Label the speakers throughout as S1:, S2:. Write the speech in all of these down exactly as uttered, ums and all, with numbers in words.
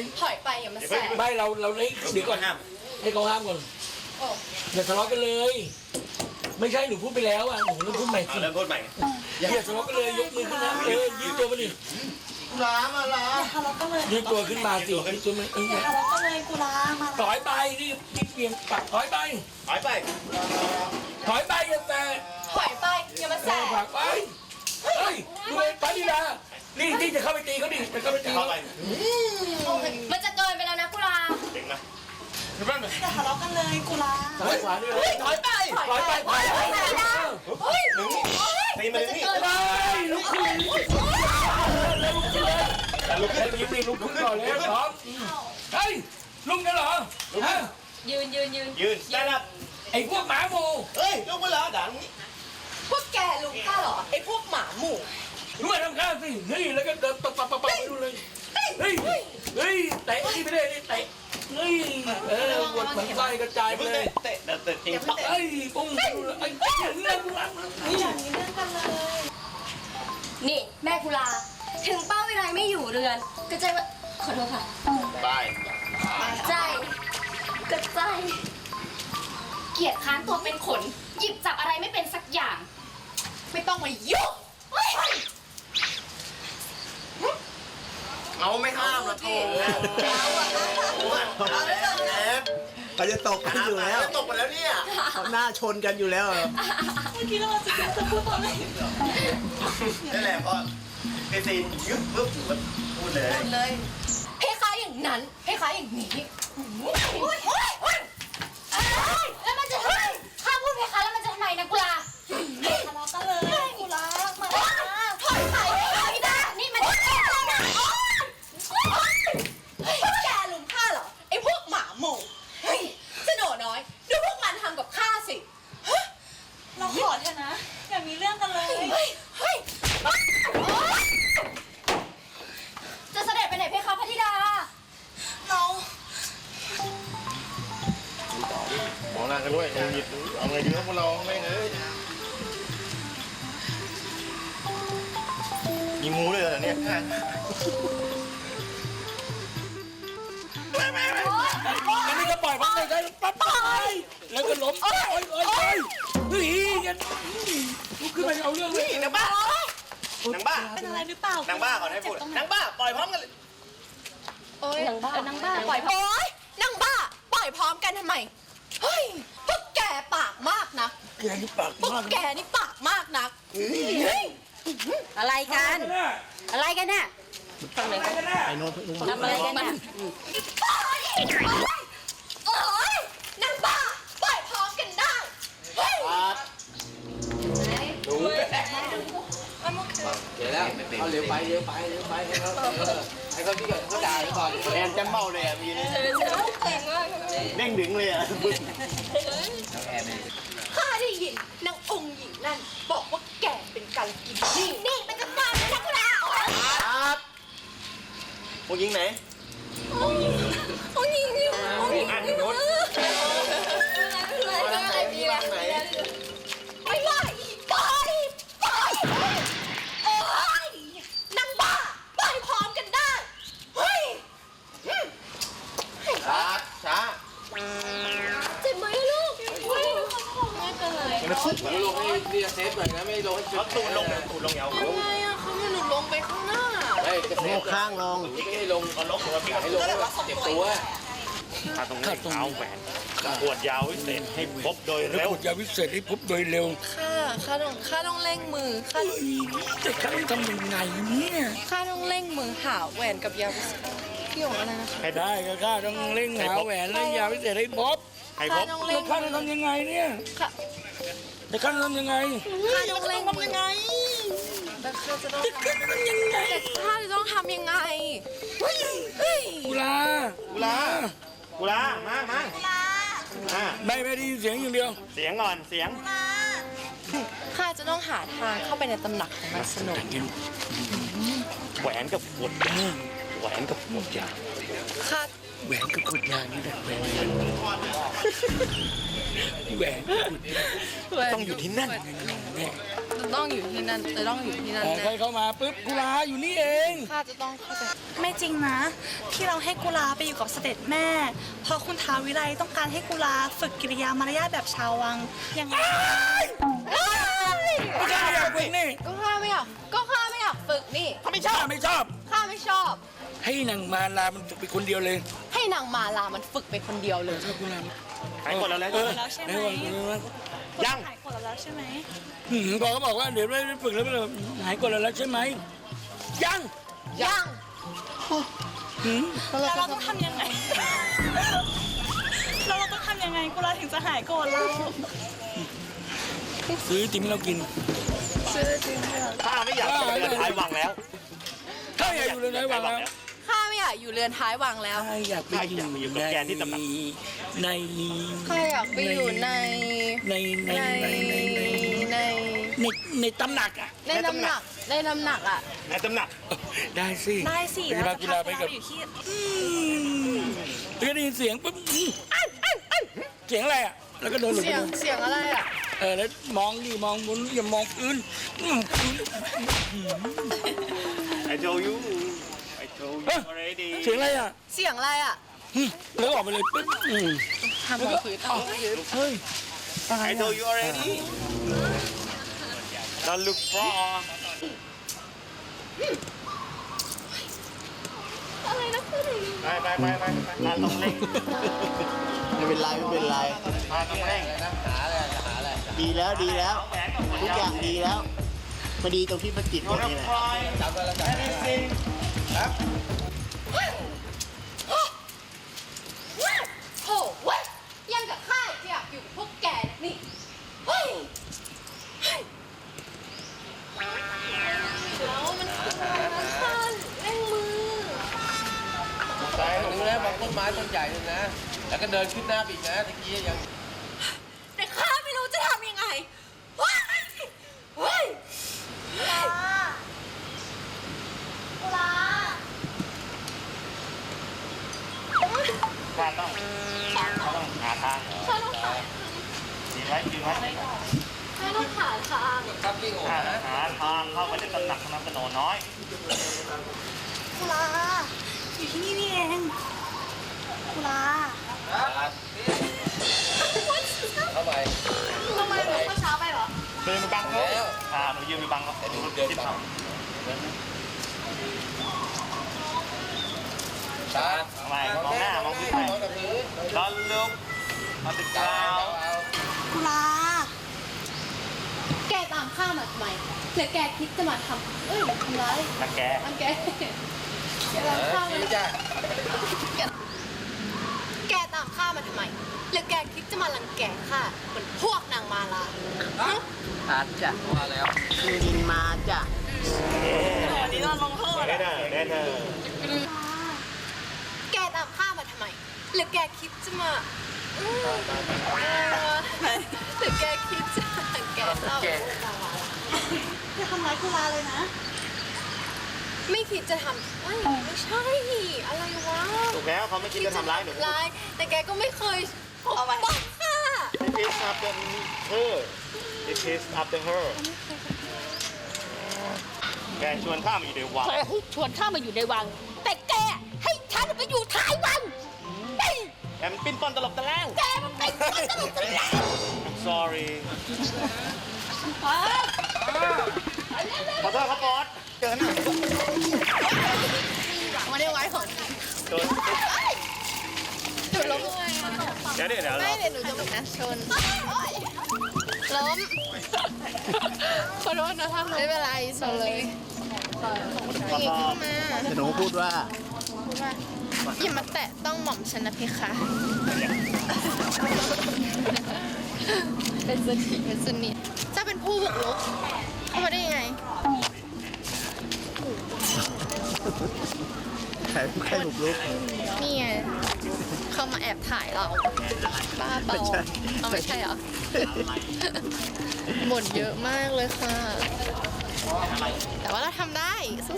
S1: ถอยไปอย่ามาแสบ
S2: ไม่เราเราเดี๋ยวก่อนให้เขาห้ามก่อนอย่าทะเลาะกันเลย ไม่ใช่หนูพูดไปแล้วอ่ะหนูเริ่มพูดใหม่สิ
S3: เริ่มพูดใหม่
S2: อย่าทะเลาะกันเลยยกมือขึ้นนะเออยืดตัวมาดิ
S3: ล้ามาล้า
S4: ทะเลาะกันเลย
S2: ยืดตัวขึ้นมาสิยืดตัวมาเออ
S4: ทะเลาะกันเลยกูลามา
S2: ถอยไปนี่นี่เปลี่ยนปากถอยไป
S3: ถอยไป
S2: ถอยไปอย่าแต่
S1: ถอยไปอย่ามาแส
S2: แม่
S1: บ
S2: ผลักไปเฮ้ยดูไปปานิดานี่นี่จะเข้าไปตีเขาดิจะเข้าไปตี
S3: เข้า
S2: เขา
S3: ไป
S1: มันจะเกินไปแล้วนะกุลา
S3: เด็กนะ
S4: อย่าทะเลาะกันเลยกูลา
S2: ถอยขวาด้วย
S3: ถอยไป
S2: ถอยไปถอยไป
S1: เฮ้ย
S3: หนึ่งตีมาหนึ่งนี่
S2: ไปลุกขึ้นลุกขึ้นลุกขึ้นเลยลุกขึ้นลุกขึ้นลุกขึ้นก่อนเลยสองเฮ้ยลุกกันเหรอฮะ
S1: ยืนยืนยืน
S3: ยืนได้รับ
S2: ไอ้พวกหมาหมู
S3: เฮ้ยลุกมาแล้วด่านนี้
S1: พวกแกลุงข้าเหรอไอ้พวกหมาหมู่
S2: รู้ไหมทำข้าวสินี่แล้วก็เดินปับปับปับปับดูเลยเฮ้ยเฮ้ยเตะที่ไม่ได้นี่เตะเฮ้ยเออปวดเหมือนไส้กระจายไป
S3: เพิ่ง
S2: เล
S3: เตะ
S2: ย
S3: เตะเตะจริง
S2: ไอ้ปุ้งไอ้ไอ้เรื่องรัก
S4: อย่างนี้เรื่องกันเลย
S1: นี่แม่กุลา ถึงเป้าวิไลไม่อยู่เรือนกระจายว่าขอโทษค่ะ
S3: ไป
S1: ใจกระจายเกียดค้านตัวเป็นขน หยิบจับอะไรไม่เป็นสักอย่าง ไม่ต้องมายุ่งเฮ้ย
S3: เอาไม่ห้ามนะโถเขาจะตกกันอยู่แล้วตกไปแล้วเนี่ยเขาหน้าชนกันอยู่แล้ว
S4: เมื่อกี้เราจะจะพูดตอนไหน
S3: นั่นแหละพอเอซีนยึบปุ๊บพูดเลย
S1: เลยให้ค้าอย่างนั้นให้ค้าอย่างนี้แล้วมันจะทำไมถ้าพูดให้ค้าแล้วมันจะทำไมนะกุลา
S4: ทะเลาะกันเลยกูลามา
S1: ถอยไปไม่ได้นี่มันแก่แล้วนะแกลุมข้าเหรอไอ้พวกหมาหมู่เฮ้ยเจ้าหนูน้อยดูพวกมันทำกับข้าสิ
S4: เราขอเถอะนะอย่ามีเรื่องกันเลย
S1: เฮ้ยเฮ้ยจะเสด็จไปไหนเพคะพระธิดา
S4: เรา
S3: มองหน้ากันด้วยหยิบเอาไงดีครับพวกเราไม่เอ้ยมีงูด้วยเหรอเนี่ย
S2: อันนี้ก็ปล่อยพักได้ปั๊บไปแล้วก็ล้มโอ้ยโอ้ยโอ้ยเฮ้ยกันลุกขึ้นมาเอาเรื่องเลย
S3: นางบ้านางบ้า
S4: เป็นอะไรหรือเปล่าน
S3: างบ้าก่อนให้พูดนางบ้าปล่อยพร้อมกันเลย
S1: โอ๊ยนางบ้านางบ้าปล่อยพร้อมโอ๊ยนางบ้าปล่อยพร้อมกันทำไมเฮ้ยพวกแกปากมากนะ
S2: แกนี่ปาก
S1: พวก
S2: มาก
S1: แกนี่ปากมากนักเฮ้ย
S4: อะไรกัน อะไรกันน่ะ
S2: อะไรกันแน่
S3: ไอ้โน้ต
S4: ทำอะไรกันน่ะ
S1: ปล่อยโอ๊ยนางบ้าปล่อยพร้อมกันได้เฮ้ย
S3: ดู
S5: เดี๋ยวแล้วเอาเร็วไปเร็วไปเร็วไปให้เขาให้เขาที่ก่อนเขาด่าก่อน
S3: แอนจะเมาเลยอ่ะมีนี่
S1: เก่งมาก
S3: เด้งดึงเลยอ่ะบึ้ง
S1: ข้าได้ยินนางองค์หญิงนั่นบอกว่าแกเป็นการกินนี่นี่เป็นจัดการนะคุณอา
S3: ครับพวกยิงไหน
S1: องค์หญิงองค์หญิงองค์หญิง
S3: อันโน้ต
S1: อะไรอะไรดีแล้ว
S3: ไหน
S1: ไม่ไหวปล่อยปล่อยโอ๊ยนางบ้าปล่อยพร้อมกันได้เฮ้ย
S3: ช้าช้า
S1: เจ็บไหมลูกเฮ้ยไม่เป็นไร
S3: มันฟุบ
S5: ลงให้เรียเซฟหน่อยนะไม่ลงให้
S3: เขาตูดลงตูดลงยาว
S1: ทำไมอะเขาไม่หลุดลงไปข้างหน้า
S5: เฮ้ยจะเซฟ
S3: ข้างลง
S5: ไม่ให้ลง
S3: เขาลงหัวพี่
S5: ให้ลงเจ็บตัว
S3: ขาตรงนี้เท้าแหวนปวดยาววิเศษให้พบโดย
S2: แล้ว
S3: เร็ว
S2: กดยาวิเศษให้พบโดยเร็ว
S1: ข้าข้าต้องข้าต้องเร่งมือข้า
S2: จะข้าทำยังไงเนี่ย
S1: ข้าต้องเร่งมือหาแหวนกับยาวิเศษพี่หยงอะไรนะคะ
S2: ให้ได้ก็ข้าต้องเร่งหาแหวนและยาวิเศษให้พบ
S3: ให้พ
S1: ข้า
S3: บ
S1: ต้อง
S2: แล้
S1: เร่
S2: ว
S1: ง
S2: ข้าจะทำยังไงเนี่ย
S1: ข้า
S2: จะข้าจะทำยังไง
S1: ข้าต้องเร่งมือแต่ข้าจะต้อง
S2: ข้าจะทำยังไง
S1: แต่ข้าจะต้องทำยังไงเฮ้ยเฮ้ย
S2: กุลา
S3: กุลากุลามามาอ่า
S2: ไม่ไม่ได้ยินเสียงอย่างเดียว
S3: เสียงก่อนเสียง
S1: ข้าจะต้องหาทางเข้าไปในตำหนักของมันสนุก
S3: แหวนกับขวดยาแหวนกับขวดยา
S1: ข้า
S2: แหวนกับขวดยานี่แหละแหวนแหวน
S3: ต้องอยู่ที่นั่น
S6: ต้องอยู่ที่นั่นจะต้องอยู่ที่นั่น
S2: เออ
S6: แน่
S2: ใครเข้ามาปุ๊บกุลาอยู่นี่เอง
S6: ข้าจะต้องเข้าใจ
S4: ไม่จริงนะ ที่เราให้กุลาไปอยู่กับเสด็จแม่เพราะคุณท้าววิไลต้องการให้กุลาฝึกกิริยามารยาทแบบชาววังยังไง
S2: ไม่ใช่ไม่อยากฝึกนี่
S6: ก็ข้าไม่อยากก็ข้าไม่อยากฝึกนี่
S2: เขาไม่ชอบไม่ชอบ
S6: ข้าไม่ชอบ
S2: ให้นางมาลามันฝึกไปคนเดียวเลย
S6: ให้นางมาลามันฝึกไปคนเดียวเลย
S2: ถ้ากุลา
S3: หายกดแล้วแล้ว
S2: เออ
S4: แล้วใช่ไหม
S2: เออ
S3: ยัง
S4: หายกดแล้วใช่ไหม
S2: หืมพอเขาบอกว่าเดี๋ยวไม่ฝึกแล้วหายกดแล้วใช่ไหมยัง
S6: ยัง
S2: หืม
S4: แล้วเราต้องทำยังไง แล้วเราต้องทำยังไงกุลาถึงจะหายโกรธเรา
S2: ซื้อติมเรากิน
S3: ข้าไม่อยากอยู่เรือนท้ายวังแล้ว
S2: ถ้าอยากอยู่เลยไหนวางแล้ว
S6: ข้าไม่อยากอยู่เรือนท้ายวังแล้ว
S2: ถ้าอยากไปอยู่
S3: ข้าอยากไปอยู่กับแกที่ตำหนัก
S2: ใน
S6: ข้าอยากไปอยู่ใน
S2: ในใน
S6: ใน
S2: ในใน
S6: ใน
S2: ในในตำหนักอ่ะ
S6: ในน้ำหนักในน้ำหนักอ่ะ
S3: ในตำหนัก
S2: ได้สิ
S4: ได้สิ
S2: ไป
S4: เรา
S2: พา
S4: จะ
S2: กี
S4: พา
S2: ฬา
S4: กุ
S2: ไป
S4: ลา
S2: กับ
S4: ไปอยู่ที่
S2: อืมแล้วก็ได้ยินเสียงปุ๊บอืมอ้ายอ้ายอ้ายเสียงอะไรอ่ะแล้วก็เดินหลบไป
S6: เสียง
S2: ดู
S6: เสียงอะไรอ่ะ
S2: เออแล้วมองดิมองบนอย่ามองพื้นอืมพื้น
S3: I told you I told you
S2: เอ้ย
S3: already
S2: เสียงอะไรอ่ะ
S6: เสียงอะไรอ่ะ
S2: อืมแล้วออกไปเลยปุ๊บอืม
S6: ทำมองพื้นเอาพื้น
S2: เฮ้ย
S3: I told you already Don't look for
S6: อะไรนะคือ
S3: ไปไปไปไปไปต้องเร่ง
S7: ไม่เป็นไรไม่เป็นไร
S3: พาต้องเร่ง
S7: ดีแล้วดีแล้ว ทุกอย่างดีแล้วพอดีตรงที่มันติดหมดนี่แหละ
S3: anything
S6: โถ่เว้ยยังกับข้าอยากอยู่กับพวกแกนี่เฮ้ยเฮ้ยแล้วมันคืออะไรนะข้าเร่งมือ
S5: ใจหนึ่งนะบางต้นไม้ต้นใหญ่หนึ่งนะ แล้วก็เดินขึ้นหน้าไปอีกนะตะกี้ยัง
S6: แต่ข้าไม่รู้จะทำยังไงเฮ้ยเฮ้ยกุลากุลา
S3: ข้าต้องข้าต้องหาทาง
S6: ข้าต้องหา
S3: ดีไว้ดีไว้
S6: ข้าต้องหาทาง
S5: ครับลิงโอ๋
S3: หา
S5: นะ
S3: หาทางเข้าไปในตำหนักของนางกระโนน้อย
S4: กุลาอยู่ที่นี่นี่เองกุลา
S5: เข้าไป
S6: ทำไมหนูเข้าเช้าไปเหรอ
S3: เดินไปบังเขา
S5: แล้ว
S3: อ่าหนูยืนไปบังเขาแต่หนูเดินบัง
S5: ตา
S3: ทำไมมองหน้ามองพื้นไป
S5: มองกับพื้น
S3: ตอนลุกมาติดกราว
S4: กุลา
S6: แกตามข้ามาทำไมหรือแกคิดจะมาทำเอ้ยทำร้าย
S3: นักแก
S6: มันแกแกตามข้ามา
S5: ชี้จ้ะ
S6: แกตามข้ามาทำไมหรือแกคิดจะมารังแกข้าเหมือนพวกนางมาลาฮะ
S5: อาจจะว่าแล้ว
S7: คือดินมาจ้ะ
S4: วันนี้เราลงโทษ
S3: แน่เนอแน่เนอ
S6: แกตามข้ามาทำไมหรือแกคิดจะมาอืมหรือแกคิดจะรังแกเราพวกนางมาลา
S4: จะทำร้ายกุลาเลยนะ
S6: ไม่คิดจะทำเอ้ยไม่ใช่ อะไรวะ
S3: ถูกแล้วเขาไม่คิดจะทำร้ายหนู
S6: ร้ายแต่แกก็ไม่เคยปกป้องข้า
S3: It is after her It is after her แกชวนข้ามาอยู่ในวัง
S1: เธอให้ชวนข้ามาอยู่ในวัง แต่แกให้ฉันไปอยู่ท้ายวังเฮ้ย
S3: แอมปิ้นป้อนตลบตะแลง
S1: แกมันเป็นคนตลกตลก
S3: I'm sorry ขอโทษครับบอสเจอหน้า
S6: มาได้ไว้ก่อน
S3: โดน
S6: หนูล้มไง
S3: เดี๋ยวเดี๋ยวเดี๋ยว
S6: ไม่เดี๋ยวหนูจะแบบนะชนล้มขอโทษนะท่านไม่เป็นไรชนเลย
S3: ขอโทษ
S6: มา
S7: แต่หนูพูดว่า
S6: พูดว่าอย่ามาแตะต้องหม่อมฉันนะพี่คะเป็นสนิทเป็นสนิทเจ้าเป็นผู้บุกรุกเข้ามาได้ยังไง
S7: ใครใครบุกรุก
S6: นี่ไงเข้ามาแอบถ่ายเราบ้าเปล่า
S7: ไม่ใช่
S6: เอาไม่ใช่เหรอ บ่นเยอะมากเลยค่ะ แต่ว่าเราทำได้สู้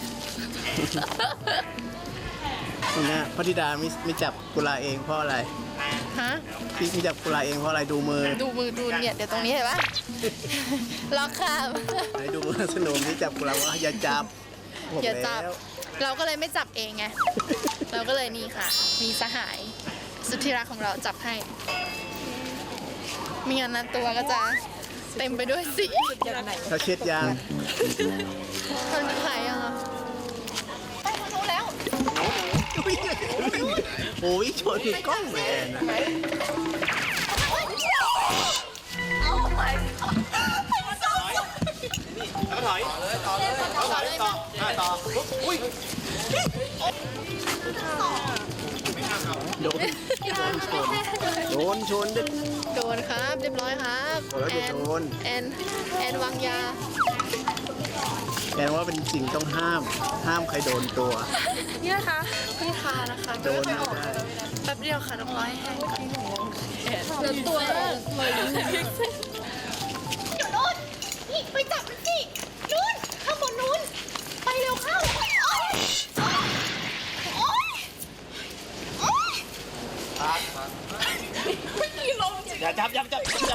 S7: คุณนะพระธิดาไม่ไม่จับกุลาเองเพราะอะไร
S6: ๆฮะ
S7: พี่พี่จับกุลาเองเพราะอะไรดูมือ
S6: ดูมือดูเนี่ยเดี๋ยวตรงนี้เห็นปะล็อกข้าม
S7: ไหนดูมือสนุมที่จับกุลาว่าอย่าจับบอก
S6: อย่าจับ
S7: แล้ว
S6: เราก็เลยไม่จับเองไง เราก็เลยนี่ค่ะ มีสหายสุดที่รักของเราจับให้ไมีงานนั้นตัวก็จะเต็มไปด้วยสี
S7: เขาเช็ดยาง
S6: คนขายยังอ่ะไปทางนู้นแล้ว
S7: โอ้ยชนกล้องแมนอะ
S3: แล้วถอย
S5: ต่อเลยต่อเลย
S3: ต่อเลยต่ออ่ะต่อปุ๊บอุ้ย
S7: โดนโดนชนโดนชนด้วย
S6: โดนครับเรียบร้อยครับ
S7: โอ้ย
S6: แอน
S7: โดน
S6: แอนแอนวางยา
S7: แปลว่าเป็นสิ่งต้องห้าม ห้ามใครโดนตัว
S4: นี่นะคะพี่ทานะคะ
S7: โดนไม่ได้
S4: แป๊บเดียวค่ะน้องร้อยแห้ง
S6: เหลือตัวเลย
S1: นู่นนี่ไปจับมันสินู่นข้างบนนู่นไปเร็วเข้าโอ๊ยโอ๊ยโอ๊ย
S3: อย่าจับอย่าจับอย่าจับ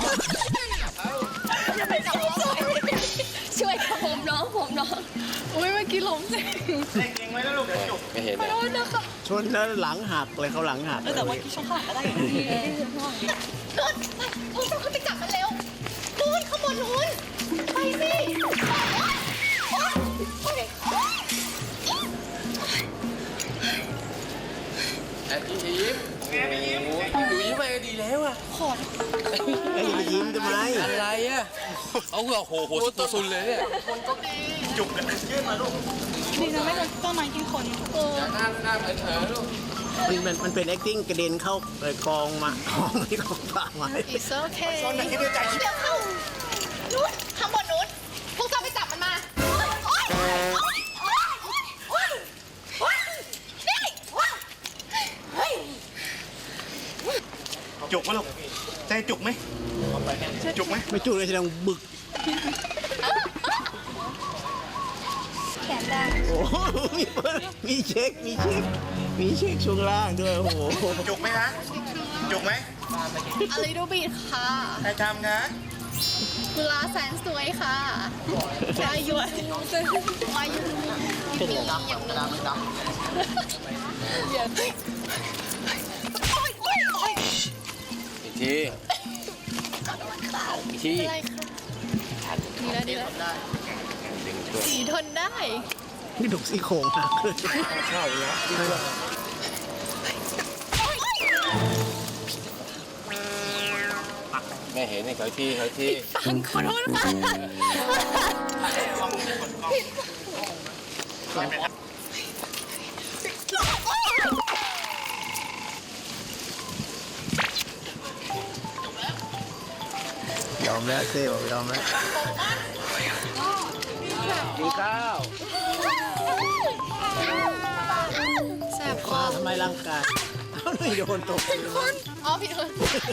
S1: ช่วยค่ะผมน้องผมน้อง
S6: อุ้ยเมื่อกี้ล้มจริง
S3: เล่นเองไว้แล้วลูกเดี๋ยวจุก
S5: ไม่เห็น
S6: ขอโทษนะคะ
S7: ชนแล้วหลังหักเลยเขาหลังหัก
S4: เออแต่ว่าที่ช่องข้างหลังก็ได้อยู่ดี
S1: นู่นไปพวกเราขึ้นไปจับมันเร็วนู่นข้างบนนู่นไปสิโอ๊ยโอ๊ยโอ๊ย
S5: แอนยิ้มยิ้มยิ้มดูยิ้มไปก็ดีแล้วอะ
S7: ไอ้ยอย่าไปยิ้มทำไม
S5: อะไรอะเอาเหรอโหโหตัวซุนเลยเนี่ย
S3: จุกกันยื่นมาลูก
S4: ดีนะไม่โดนต้นไม้กินคน
S5: อย่าหน้าหน้าเหมือนเธอลูก
S7: มันมันมันเป็น acting กระเด็นเข้าเอ่อกองมากองที่กองป่าไม้
S6: อีโอเค
S3: ตอนไหนที่ไม่ใจ
S1: เดี๋ยวเข้านู่นข้างบนนู่นพวกเราไปจับมันมาโอ๊ยโอ๊ยโอ๊ยโอ๊ยโอ๊ยโอ๊ยนี่โอ๊ยเฮ้ย
S3: จุกไหมลูกใจจุกไหมจุกไหม
S7: ไม่จูเลยแสดงบึก
S1: แขนได้
S7: โอ้โหมีเปิดมีเช็ค มีเช็ค มีเช็คช่วงล่างด้วย โอ้โห
S3: จุกไหมคะจุกไหม
S6: a little bit ค่ะ
S3: ใครทำคะ
S6: กุลาแสนสวยค่ะวายุวายุมีอย่างนี้
S5: อีกทีอีกที
S6: อะไรคะดีแล้วดีแล้วสีทนได้
S7: นี่ดุกซี่โครงหักเลย
S5: เข้าแล้วไม่เห็นนี่เขาที่เขาที่
S6: ฟังขอโทษค่ะ
S7: ยอมแล้วเซ่บอกยอมแล้วกินข้าว
S6: แสบคอ
S7: ทำไมร่างกายเอาเลยโยนตกพื้น
S6: อ๋อผิดคน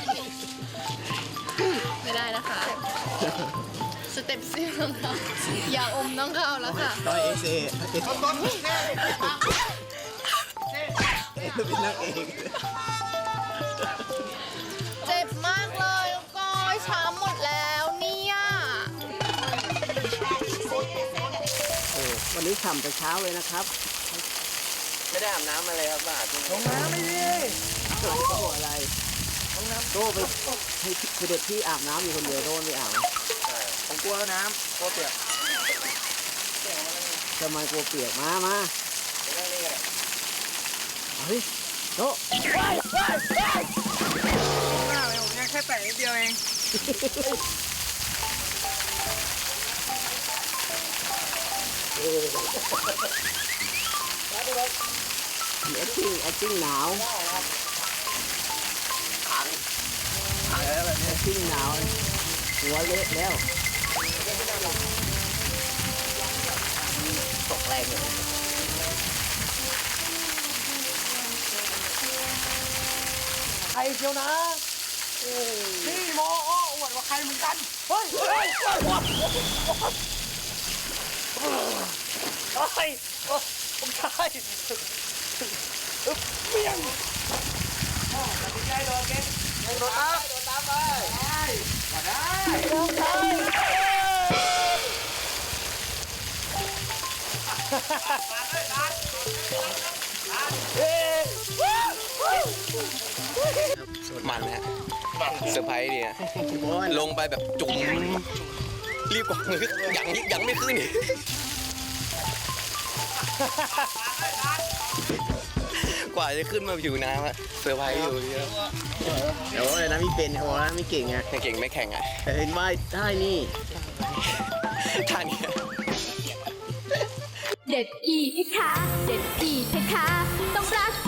S6: ไม่ได้นะคะ สเต็ปซิ่งของเราอย่าอมต้องเข้าแล้วค่ะ
S7: ต่อยเอเซ่เอเซ่เป็นนางเอก
S6: เจ็บมากเลยแล้วก็ช้ำหมดแล้วเนี่ย
S7: โอ้วันนี้ฉ่ำแต่เช้าเลยนะครับ
S5: ไม่ได้อาบน้ำมาเลยครับบ้าจริง
S7: ลงน้ำไม่ดีโอ้โหอะไรโต้ไปให้เสด็จพี่อาบน้ำอยู่คนเดียวโต้ไม่อาบ
S3: ผมกลัวน้ำกลัวเปียก
S7: ทำไมกลัวเปียกมามาเฮ้ยโต้
S3: ยังแค่แตะนิดเดียวเอง
S7: แอคติ้งแอคติ้งหนาวแอคติ้งหนาวหัวเละแล้ว
S5: ตกแรงเลย
S3: ใครเชียวนะนี่โมอ้ออวดว่าใครเหมือนกัน เฮ้ยเฮ้ยเฮ้ยเฮ้ยผมใช่เมียงตัดสินใจโดดเก่งโดดตามโดดตามไปมาได้โดดไป
S5: มันนะเซอร์ไพรส์เนี่ยลงไปแบบจุ๋มรีบกว่ามือยังยังไม่ขึ้นอีกกว่าจะขึ้นมาผิวน้ำอะเซอร์ไพรส์อยู่เยอะ
S7: เดี๋ยวอะไรนะมีเป็นเขานะไม่เก่งไง
S5: ไม่เก่งไม่แข่งอะ
S7: แต่เห็นว่าได้นี่
S5: ท่านี้
S8: เด็ดอีกค่ะ เด็ดอีกค่ะ ต้องรัก